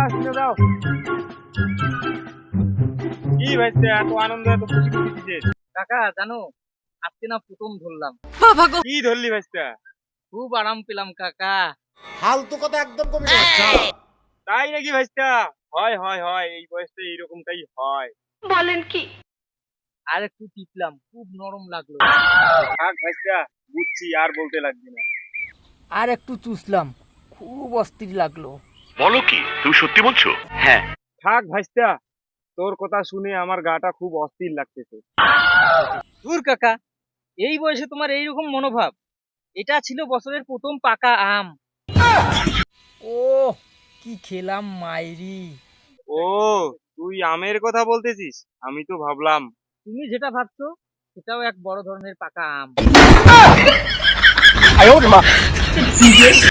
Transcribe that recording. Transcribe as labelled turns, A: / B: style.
A: শুনে দাও। কি ভাইস্তা এত আনন্দ এত খুশি খুশি দিছিস?
B: কাকা জানো, আজকে না প্রথম ধরলাম,
A: কি ধরলি ভাইস্তা?
B: খুব আরাম পেলাম কাকা।
C: ফালতু কথা একদম কবি না।
A: তাই নাকি ভাইস্তা? হয় হয় হয়, এই বয়সটা এইরকমটাই হয়।
B: আর একটু টিপলাম, খুব নরম লাগলো।
A: থাক ভাইস্তা, বুঝছি, আর বলতে লাগবে না।
B: আর একটু চুষলাম, খুব অস্থির লাগলো।
D: বলো কি, তুমি সত্যি বলছো? হ্যাঁ।
A: থাক ভাইস্তা, তোর কথা শুনে আমার গাটা খুব অস্থির লাগতেছে।
B: দূর কাকা, এই বয়সে তোমার এইরকম মনোভাব? এটা ছিল বছরের প্রথম পাকা আম। ও কি খেলাম মাইরি!
A: ও, তুই আমের কথা বলতেছিস? আমি তো ভাবলাম।
B: তুমি যেটা ভাবছো সেটাও এক বড় ধরনের পাকা আম।